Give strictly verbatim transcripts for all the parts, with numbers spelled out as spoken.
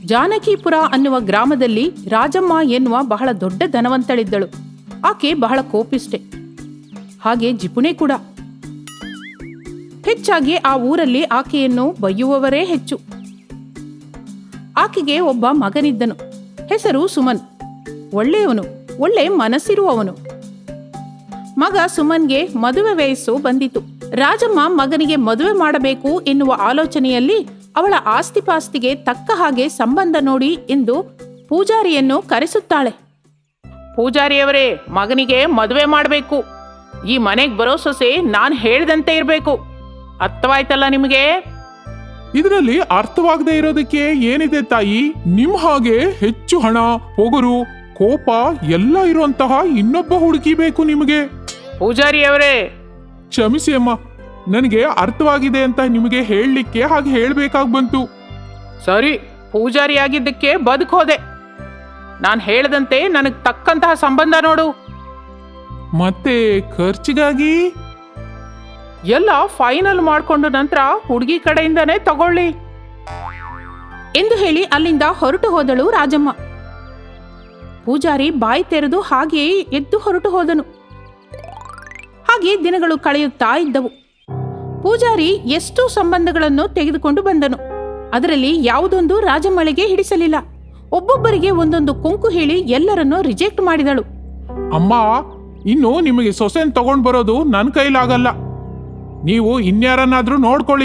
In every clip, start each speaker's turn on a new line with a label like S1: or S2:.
S1: ಜಾನಕಿಪುರ ಅನ್ನುವ ಗ್ರಾಮದಲ್ಲಿ ರಾಜಮ್ಮ ಎನ್ನುವ ಬಹಳ ದೊಡ್ಡ ಧನವಂತಳಿದ್ದಳು. ಆಕೆ ಬಹಳ ಕೋಪಿಷ್ಟೆ, ಹಾಗೆ ಜಿಪುಣೆ ಕೂಡ. ಹೆಚ್ಚಾಗಿ ಆ ಊರಲ್ಲಿ ಆಕೆಯನ್ನು ಬೈಯುವವರೇ ಹೆಚ್ಚು. ಆಕೆಗೆ ಒಬ್ಬ ಮಗನಿದ್ದನು. ಹೆಸರು ಸುಮನ್. ಒಳ್ಳೆಯವನು, ಒಳ್ಳೆ ಮನಸ್ಸಿರುವವನು. ಮಗ ಸುಮನ್ಗೆ ಮದುವೆ ವಯಸ್ಸು ಬಂದಿತು. ರಾಜಮ್ಮ ಮಗನಿಗೆ ಮದುವೆ ಮಾಡಬೇಕು ಎನ್ನುವ ಆಲೋಚನೆಯಲ್ಲಿ ಅವಳ ಆಸ್ತಿಪಾಸ್ತಿಗೆ ತಕ್ಕ ಹಾಗೆ ಸಂಬಂಧ ನೋಡಿ ಎಂದು ಪೂಜಾರಿಯನ್ನು ಕರೆಸುತ್ತಾಳೆ. ಪೂಜಾರಿಯವರೇ, ಮಗನಿಗೆ ಮದುವೆ ಮಾಡಬೇಕು. ಈ ಮನೆಗೆ ಬರೋ ಸೊಸೆ ನಾನು ಹೇಳ್ದಂತೆ ಇರಬೇಕು. ಅರ್ಥವಾಯ್ತಲ್ಲ ನಿಮಗೆ?
S2: ಇದರಲ್ಲಿ ಅರ್ಥವಾಗದೆ ಇರೋದಕ್ಕೆ ಏನಿದೆ ತಾಯಿ? ನಿಮ್ ಹಾಗೆ ಹೆಚ್ಚು ಹಣ, ಪೊಗರು, ಕೋಪ ಎಲ್ಲ ಇರುವಂತಹ ಇನ್ನೊಬ್ಬ ಹುಡುಗಿ ಬೇಕು ನಿಮಗೆ.
S1: ಪೂಜಾರಿಯವರೇ,
S2: ಕ್ಷಮಿಸಿ ಅಮ್ಮ, ನನಗೆ ಅರ್ಥವಾಗಿದೆ ಅಂತ ನಿಮಗೆ ಹೇಳಲಿಕ್ಕೆ ಹಾಗೆ ಹೇಳ್ಬೇಕಾಗಿ ಬಂತು.
S1: ಸರಿ, ಪೂಜಾರಿ ಆಗಿದ್ದಕ್ಕೆ ಬದುಕೋದೆ. ನಾನು ಹೇಳ್ದಂತೆ ನನಗೆ ತಕ್ಕಂತಹ ಸಂಬಂಧ ನೋಡು.
S2: ಮತ್ತೆ ಖರ್ಚಿಗಾಗಿ
S1: ಎಲ್ಲ ಫೈನಲ್ ಮಾಡಿಕೊಂಡು ನಂತರ ಹುಡುಗಿ ಕಡೆಯಿಂದನೇ ತಗೊಳ್ಳಿ ಎಂದು ಹೇಳಿ ಅಲ್ಲಿಂದ ಹೊರಟು ಹೋದಳು ರಾಜಮ್ಮ. ಪೂಜಾರಿ ಬಾಯಿ ತೆರೆದು ಹಾಗೆಯೇ ಎದ್ದು ಹೊರಟು ಹೋದನು. ಹಾಗೆ ದಿನಗಳು ಕಳೆಯುತ್ತಾ ಇದ್ದವು. ಪೂಜಾರಿ ಎಷ್ಟು ಸಂಬಂಧಗಳನ್ನು ತೆಗೆದುಕೊಂಡು ಬಂದನು. ಅದರಲ್ಲಿ ಯಾವುದೊಂದು ರಾಜಮ್ಮಳಿಗೆ ಹಿಡಿಸಲಿಲ್ಲ. ಒಬ್ಬೊಬ್ಬರಿಗೆ ಒಂದೊಂದು ಕೊಂಕು ಹೇಳಿ ಎಲ್ಲರನ್ನೂ ರಿಜೆಕ್ಟ್ ಮಾಡಿದಳು.
S2: ಅಮ್ಮ, ಇನ್ನು ನಿಮಗೆ ಸೊಸೆನ್ ತಗೊಂಡ್ ಬರೋದು ನನ್ನ ಕೈಲಾಗಲ್ಲ. ನೀವು ಇನ್ಯಾರನ್ನಾದ್ರೂ ನೋಡ್ಕೊಳ್ಳಿ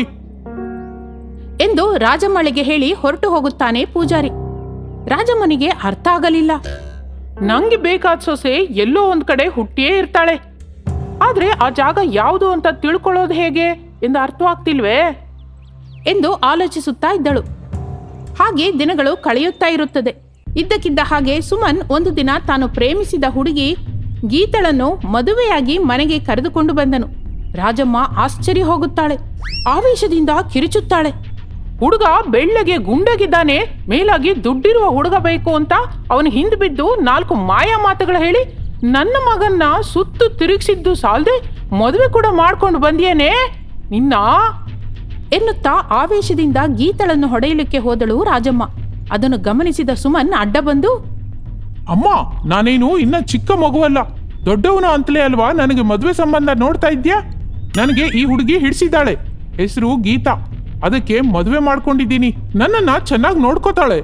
S1: ಎಂದು ರಾಜಮ್ಮಳಿಗೆ ಹೇಳಿ ಹೊರಟು ಹೋಗುತ್ತಾನೆ ಪೂಜಾರಿ. ರಾಜಮ್ಮನಿಗೆ ಅರ್ಥ ಆಗಲಿಲ್ಲ. ನಂಗೆ ಬೇಕಾದ ಸೊಸೆ ಎಲ್ಲೋ ಒಂದ್ ಕಡೆ ಹುಟ್ಟಿಯೇ ಇರ್ತಾಳೆ, ಆದ್ರೆ ಆ ಜಾಗ ಯಾವುದು ಅಂತ ತಿಳ್ಕೊಳ್ಳೋದು ಹೇಗೆ ಎಂದು ಅರ್ಥವಾಗ್ತಿಲ್ವೇ ಎಂದು ಆಲೋಚಿಸುತ್ತಾ ಇದ್ದಳು. ಹಾಗೆ ದಿನಗಳು ಕಳೆಯುತ್ತಾ ಇರುತ್ತದೆ. ಇದ್ದಕ್ಕಿದ್ದ ಹಾಗೆ ಸುಮನ್ ಒಂದು ದಿನ ತಾನು ಪ್ರೇಮಿಸಿದ ಹುಡುಗಿ ಗೀತಳನ್ನು ಮದುವೆಯಾಗಿ ಮನೆಗೆ ಕರೆದುಕೊಂಡು ಬಂದನು. ರಾಜಮ್ಮ ಆಶ್ಚರ್ಯ ಹೋಗುತ್ತಾಳೆ. ಆವೇಶದಿಂದ ಕಿರಿಚುತ್ತಾಳೆ. ಹುಡುಗ ಬೆಳ್ಳಗೆ ಗುಂಡಗಿದ್ದಾನೆ, ಮೇಲಾಗಿ ದುಡ್ಡಿರುವ ಹುಡುಗ ಬೇಕು ಅಂತ ಅವನು ಹಿಂದೆ ಬಿದ್ದು ನಾಲ್ಕು ಮಾಯಾ ಮಾತುಗಳು ಹೇಳಿ ನನ್ನ ಮಗನ್ನ ಸುತ್ತು ತಿರುಗಿಸಿದ್ದು ಸಾಲದೆ ಮದುವೆ ಕೂಡ ಮಾಡ್ಕೊಂಡು ಬಂದಿಯೇನೆ ನಿನ್ನ ಎನ್ನುತ್ತಾ ಆವೇಶದಿಂದ ಗೀತಳನ್ನು ಹೊಡೆಯಲಿಕ್ಕೆ ಹೋದಳು ರಾಜಮ್ಮ. ಅದನ್ನು ಗಮನಿಸಿದ ಸುಮನ್ ಅಡ್ಡ ಬಂದು,
S2: ಅಮ್ಮ, ನಾನೇನು ಇನ್ನ ಚಿಕ್ಕ ಮಗುವಲ್ಲ, ದೊಡ್ಡವನ ಅಂತಲೇ ಅಲ್ವಾ ನನಗೆ ಮದುವೆ ಸಂಬಂಧ ನೋಡ್ತಾ ಇದ್ಯಾ? ನನಗೆ ಈ ಹುಡುಗಿ ಹಿಡಿಸಿದ್ದಾಳೆ. ಹೆಸರು ಗೀತಾ. ಅದಕ್ಕೆ ಮದುವೆ ಮಾಡ್ಕೊಂಡಿದ್ದೀನಿ. ನನ್ನನ್ನ ಚೆನ್ನಾಗಿ ನೋಡ್ಕೋತಾಳೆ.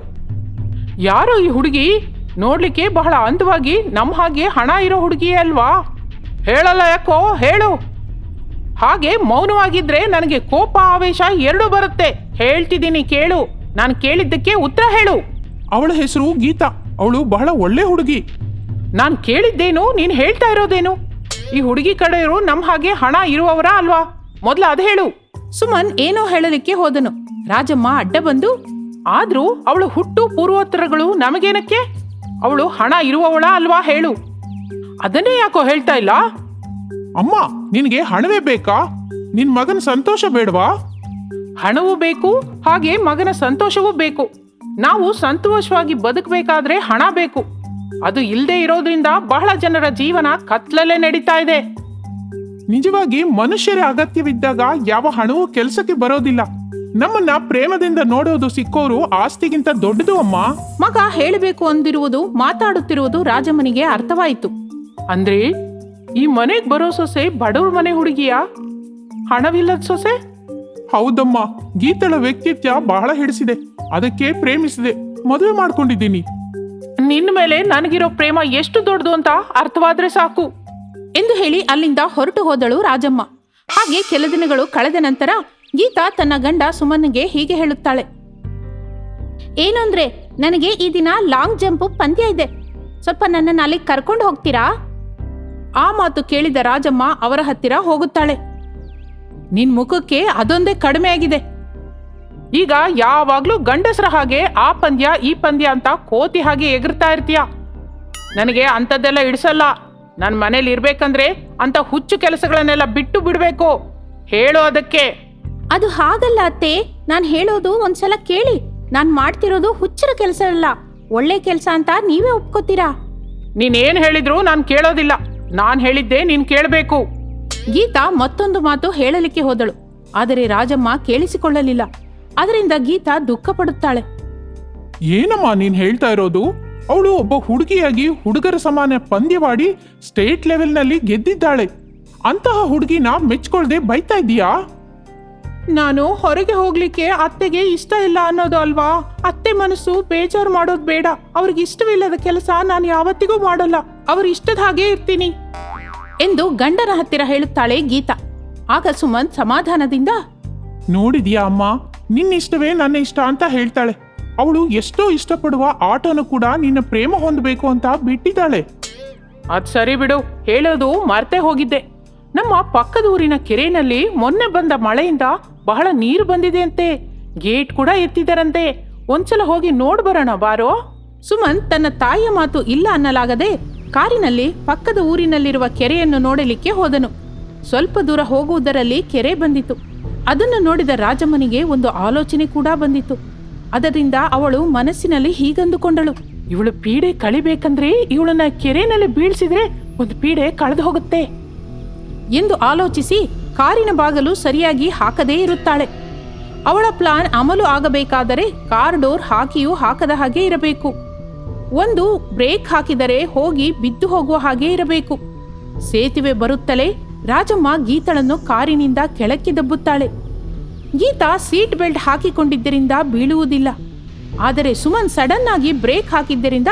S1: ಯಾರೋ ಈ ಹುಡುಗಿ? ನೋಡ್ಲಿಕ್ಕೆ ಬಹಳ ಅಂದವಾಗಿ ನಮ್ಮ ಹಾಗೆ ಹಣ ಇರೋ ಹುಡುಗಿಯೇ ಅಲ್ವಾ? ಹೇಳಲ್ಲ ಯಾಕೋ, ಹೇಳು. ಹಾಗೆ ಮೌನವಾಗಿದ್ರೆ ನನಗೆ ಕೋಪ ಆವೇಶ ಎರಡೂ ಬರುತ್ತೆ. ಹೇಳ್ತಿದ್ದೀನಿ ಕೇಳು. ನಾನು ಕೇಳಿದ್ದಕ್ಕೆ ಉತ್ತರ ಹೇಳು.
S2: ಅವಳ ಹೆಸರು ಗೀತಾ. ಅವಳು ಬಹಳ ಒಳ್ಳೆ ಹುಡುಗಿ.
S1: ನಾನು ಕೇಳಿದ್ದೇನು, ನೀನು ಹೇಳ್ತಾ ಇರೋದೇನು? ಈ ಹುಡುಗಿ ಕಡೆಯವರು ನಮ್ಮ ಹಾಗೆ ಹಣ ಇರುವವರ ಅಲ್ವಾ? ಮೊದಲು ಅದು ಹೇಳು. ಸುಮನ್ ಏನೋ ಹೇಳಲಿಕ್ಕೆ ಹೋದನು. ರಾಜಮ್ಮ ಅಡ್ಡ ಬಂದು, ಆದ್ರೂ ಅವಳು ಹುಟ್ಟು ಪೂರ್ವೋತ್ತರಗಳು ನಮಗೇನಕ್ಕೆ? ಅವಳು ಹಣ ಇರುವವಳ ಅಲ್ವಾ? ಹೇಳು. ಅದನ್ನೇ ಯಾಕೋ ಹೇಳ್ತಾ ಇಲ್ಲ?
S2: ಅಮ್ಮ, ನಿನಗೆ ಹಣವೇ ಬೇಕಾ? ನಿನ್ ಮಗನ ಸಂತೋಷ ಬೇಡವಾ?
S1: ಹಣವೂ ಬೇಕು, ಹಾಗೆ ಮಗನ ಸಂತೋಷವೂ ಬೇಕು. ನಾವು ಸಂತೋಷವಾಗಿ ಬದುಕಬೇಕಾದ್ರೆ ಹಣ ಬೇಕು. ಅದು ಇಲ್ಲದೆ ಇರೋದ್ರಿಂದ ಬಹಳ ಜನರ ಜೀವನ ಕತ್ಲಲ್ಲೇ ನಡೀತಾ ಇದೆ.
S2: ನಿಜವಾಗಿ ಮನುಷ್ಯರ ಅಗತ್ಯವಿದ್ದಾಗ ಯಾವ ಹಣವೂ ಕೆಲಸಕ್ಕೆ ಬರೋದಿಲ್ಲ. ನಮ್ಮನ್ನ ಪ್ರೇಮದಿಂದ ನೋಡೋದು ಸಿಕ್ಕೋರು ಆಸ್ತಿಗಿಂತ ದೊಡ್ಡದು ಅಮ್ಮ.
S1: ಮಗ ಹೇಳಬೇಕು ಅಂದಿರುವುದು ಮಾತಾಡುತ್ತಿರುವುದು ರಾಜಮ್ಮನಿಗೆ ಅರ್ಥವಾಯಿತು. ಅಂದ್ರೆ ಈ ಮನೆಗೆ ಬರೋ ಸೊಸೆ ಬಡವ್ರ ಮನೆ ಹುಡುಗಿಯಾ? ಹಣವಿಲ್ಲದ ಸೊಸೆ?
S2: ಹೌದಮ್ಮ, ಗೀತಳ ವ್ಯಕ್ತಿತ್ವ ಬಹಳ ಹಿಡಿಸಿದೆ. ಅದಕ್ಕೆ ಪ್ರೇಮಿಸಿದೆ, ಮದುವೆ ಮಾಡ್ಕೊಂಡಿದ್ದೀನಿ.
S1: ನಿನ್ನ ಮೇಲೆ ನನಗಿರೋ ಪ್ರೇಮ ಎಷ್ಟು ದೊಡ್ಡದು ಅಂತ ಅರ್ಥವಾದ್ರೆ ಸಾಕು ಎಂದು ಹೇಳಿ ಅಲ್ಲಿಂದ ಹೊರಟು ಹೋದಳು ರಾಜಮ್ಮ. ಹಾಗೆ ಕೆಲ ದಿನಗಳು ಕಳೆದ ನಂತರ ಗೀತಾ ತನ್ನ ಗಂಡ ಸುಮನ್ಗೆ ಹೀಗೆ ಹೇಳುತ್ತಾಳೆ. ಏನು ಅಂದ್ರೆ, ನನಗೆ ಈ ದಿನ ಲಾಂಗ್ ಜಂಪ್ ಪಂದ್ಯ ಇದೆ, ಸ್ವಲ್ಪ ನನ್ನನ್ನು ಅಲ್ಲಿ ಕರ್ಕೊಂಡು ಹೋಗ್ತೀರಾ? ಆ ಮಾತು ಕೇಳಿದ ರಾಜಮ್ಮ ಅವರ ಹತ್ತಿರ ಹೋಗುತ್ತಾಳೆ. ನಿನ್ ಮುಖಕ್ಕೆ ಅದೊಂದೇ ಕಡಿಮೆ ಆಗಿದೆ. ಈಗ ಯಾವಾಗ್ಲೂ ಗಂಡಸರ ಹಾಗೆ ಆ ಪಂದ್ಯ ಈ ಪಂದ್ಯ ಅಂತ ಕೋತಿ ಹಾಗೆ ಎಗರ್ತಾ ಇರ್ತೀಯ. ನನಗೆ ಅಂಥದ್ದೆಲ್ಲ ಇಡಿಸಲ್ಲ. ನನ್ನ ಮನೇಲಿ ಇರ್ಬೇಕಂದ್ರೆ ಅಂತ ಹುಚ್ಚು ಕೆಲಸಗಳನ್ನೆಲ್ಲ ಬಿಟ್ಟು ಬಿಡ್ಬೇಕು. ಹೇಳು ಅದಕ್ಕೆ. ಅದು ಹಾಗಲ್ಲ ಅತ್ತೆ, ನಾನು ಹೇಳೋದು ಒಂದ್ಸಲ ಕೇಳಿ. ನಾನು ಮಾಡ್ತಿರೋದು ಹುಚ್ಚರ ಕೆಲಸ ಅಲ್ಲ, ಒಳ್ಳೆ ಕೆಲಸ ಅಂತ ನೀವೇ ಒಪ್ಕೋತೀರಾ? ನೀನೇನ್ ಹೇಳಿದ್ರು ನಾನು ಕೇಳೋದಿಲ್ಲ. ನಾನು ಹೇಳಿದ್ದೆ ನೀನ್ ಕೇಳಬೇಕು. ಗೀತಾ ಮತ್ತೊಂದು ಮಾತು ಹೇಳಲಿಕ್ಕೆ ಹೋದಳು. ಆದರೆ ರಾಜಮ್ಮ ಕೇಳಿಸಿಕೊಳ್ಳಲಿಲ್ಲ. ಅದರಿಂದ ಗೀತಾ ದುಃಖ ಪಡುತ್ತಾಳೆ.
S2: ಏನಮ್ಮ ನೀನ್ ಹೇಳ್ತಾ ಇರೋದು? ಅವಳು ಒಬ್ಬ ಹುಡುಗಿಯಾಗಿ ಹುಡುಗರ ಸಮಾನ ಪಂದ್ಯವಾಡಿ ಸ್ಟೇಟ್ ಲೆವೆಲ್ನಲ್ಲಿ ಗೆದ್ದಿದ್ದಾಳೆ. ಅಂತಹ ಹುಡುಗಿನ ಮೆಚ್ಕೊಳ್ದೆ ಬೈತಾ ಇದೀಯಾ?
S1: ನಾನು ಹೊರಗೆ ಹೋಗ್ಲಿಕ್ಕೆ ಅತ್ತೆಗೆ ಇಷ್ಟ ಇಲ್ಲ ಅನ್ನೋದು ಅಲ್ವಾ? ಅತ್ತೆ ಮನಸ್ಸು ಬೇಜಾರು ಮಾಡೋದು ಬೇಡ. ಅವ್ರಿಗೆ ಇಷ್ಟವಿಲ್ಲದ ಕೆಲಸ ನಾನು ಯಾವತ್ತಿಗೂ ಮಾಡಲ್ಲ. ಅವ್ರ ಇಷ್ಟದ ಹಾಗೆ ಇರ್ತೀನಿ ಎಂದು ಗಂಡನ ಹತ್ತಿರ ಹೇಳುತ್ತಾಳೆ ಗೀತಾ. ಆಗ ಸುಮಂತ್ ಸಮಾಧಾನದಿಂದ,
S2: ನೋಡಿದ್ಯಾ ಅಮ್ಮ, ನಿನ್ನ ಇಷ್ಟವೇ ನನ್ನ ಇಷ್ಟ ಅಂತ ಹೇಳ್ತಾಳೆ. ಅವಳು ಎಷ್ಟೋ ಇಷ್ಟಪಡುವ ಆಟೋನು ಕೂಡ ನಿನ್ನ ಪ್ರೇಮ ಹೊಂದಬೇಕು ಅಂತ ಬಿಟ್ಟಿದ್ದಾಳೆ.
S1: ಅದ್ ಸರಿ ಬಿಡು, ಹೇಳೋದು ಮರ್ತೆ ಹೋಗಿದ್ದೆ. ನಮ್ಮ ಪಕ್ಕದ ಊರಿನ ಕೆರೆಯಲ್ಲಿ ಮೊನ್ನೆ ಬಂದ ಮಳೆಯಿಂದ ಬಹಳ ನೀರು ಬಂದಿದೆ ಅಂತೆ. ಗೇಟ್ ಕೂಡ ಎತ್ತಿದರಂತೆ. ಒಂದ್ಸಲ ಹೋಗಿ ನೋಡ್ ಬರೋಣ ಬಾರೋ. ಸುಮಂತ್ ತನ್ನ ತಾಯಿಯ ಮಾತು ಇಲ್ಲ ಅನ್ನಲಾಗದೆ ಕಾರಿನಲ್ಲಿ ಪಕ್ಕದ ಊರಿನಲ್ಲಿರುವ ಕೆರೆಯನ್ನು ನೋಡಲಿಕ್ಕೆ ಹೋದನು. ಸ್ವಲ್ಪ ದೂರ ಹೋಗುವುದರಲ್ಲಿ ಕೆರೆ ಬಂದಿತು. ಅದನ್ನು ನೋಡಿದ ರಾಜಮ್ಮನಿಗೆ ಒಂದು ಆಲೋಚನೆ ಕೂಡ ಬಂದಿತು. ಅದರಿಂದ ಅವಳು ಮನಸ್ಸಿನಲ್ಲಿ ಹೀಗಂದುಕೊಂಡಳು, ಇವಳು ಪೀಡೆ ಕಳಿಬೇಕಂದ್ರೆ ಇವಳನ್ನ ಕೆರೆನಲ್ಲಿ ಬೀಳ್ಸಿದ್ರೆ ಒಂದು ಪೀಡೆ ಕಳೆದು ಹೋಗುತ್ತೆ ಎಂದು ಆಲೋಚಿಸಿ ಕಾರಿನ ಬಾಗಲು ಸರಿಯಾಗಿ ಹಾಕದೇ ಇರುತ್ತಾಳೆ. ಅವಳ ಪ್ಲಾನ್ ಅಮಲು ಆಗಬೇಕಾದರೆ ಕಾರ್ ಡೋರ್ ಹಾಕಿಯೂ ಹಾಕದ ಹಾಗೆ ಇರಬೇಕು. ಒಂದು ಬ್ರೇಕ್ ಹಾಕಿದರೆ ಹೋಗಿ ಬಿದ್ದು ಹೋಗುವ ಹಾಗೆ ಇರಬೇಕು. ಸೇತುವೆ ಬರುತ್ತಲೇ ರಾಜಮ್ಮ ಗೀತಳನ್ನು ಕಾರಿನಿಂದ ಕೆಳಕ್ಕೆ ದಬ್ಬುತ್ತಾಳೆ. ಗೀತಾ ಸೀಟ್ ಬೆಲ್ಟ್ ಹಾಕಿಕೊಂಡಿದ್ದರಿಂದ ಬೀಳುವುದಿಲ್ಲ. ಆದರೆ ಸುಮನ್ ಸಡನ್ ಆಗಿ ಬ್ರೇಕ್ ಹಾಕಿದ್ದರಿಂದ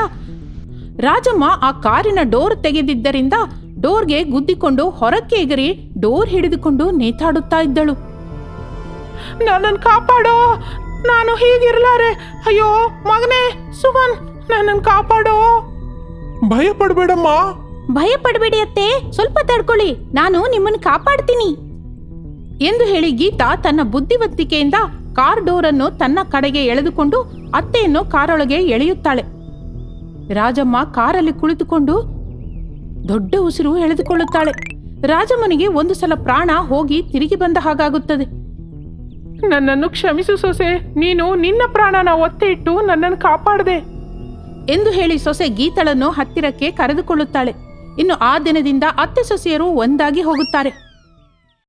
S1: ರಾಜಮ್ಮ ಆ ಕಾರಿನ ಡೋರ್ ತೆಗೆದಿದ್ದರಿಂದ ಡೋರ್ಗೆ ಗುದ್ದಿಕೊಂಡು ಹೊರಕ್ಕೆ ಎಗರಿ ಡೋರ್ ಹಿಡಿದುಕೊಂಡು ನೇತಾಡುತ್ತಾ ಇದ್ದಳು. ನನ್ನನ್ನು ಕಾಪಾಡೋ, ನಾನು ಹೀಗಿರ್ಲಾರೆ. ಅಯ್ಯೋ ಮಗನೇ ಸುಮನ್, ನನ್ನನ್ನು ಕಾಪಾಡೋ.
S2: ಭಯ ಪಡ್ಬೇಡಮ್ಮ.
S1: ಭಯ ಪಡಬೇಡಿ ಅತ್ತೆ, ಸ್ವಲ್ಪ ತಡ್ಕೊಳ್ಳಿ, ನಾನು ನಿಮ್ಮನ್ನು ಕಾಪಾಡ್ತೀನಿ ಎಂದು ಹೇಳಿ ಗೀತಾ ತನ್ನ ಬುದ್ಧಿವಂತಿಕೆಯಿಂದ ಕಾರ್ ಡೋರ್ ಅನ್ನು ತನ್ನ ಕಡೆಗೆ ಎಳೆದುಕೊಂಡು ಅತ್ತೆಯನ್ನು ಕಾರೊಳಗೆ ಎಳೆಯುತ್ತಾಳೆ. ರಾಜಮ್ಮ ಕಾರಲ್ಲಿ ಕುಳಿತುಕೊಂಡು ದೊಡ್ಡ ಉಸಿರು ಎಳೆದುಕೊಳ್ಳುತ್ತಾಳೆ. ರಾಜಮ್ಮನಿಗೆ ಒಂದು ಸಲ ಪ್ರಾಣ ಹೋಗಿ ತಿರುಗಿ ಬಂದ ಹಾಗಾಗುತ್ತದೆ. ನನ್ನನ್ನು ಕ್ಷಮಿಸು ಸೊಸೆ, ನೀನು ನಿನ್ನ ಪ್ರಾಣನ ಒತ್ತೆ ಇಟ್ಟು ನನ್ನನ್ನು ಕಾಪಾಡದೆ ಎಂದು ಹೇಳಿ ಸೊಸೆ ಗೀತಳನ್ನು ಹತ್ತಿರಕ್ಕೆ ಕರೆದುಕೊಳ್ಳುತ್ತಾಳೆ. ಇನ್ನು ಆ ದಿನದಿಂದ ಅತ್ತೆ ಸೊಸೆಯರು ಒಂದಾಗಿ ಹೋಗುತ್ತಾರೆ.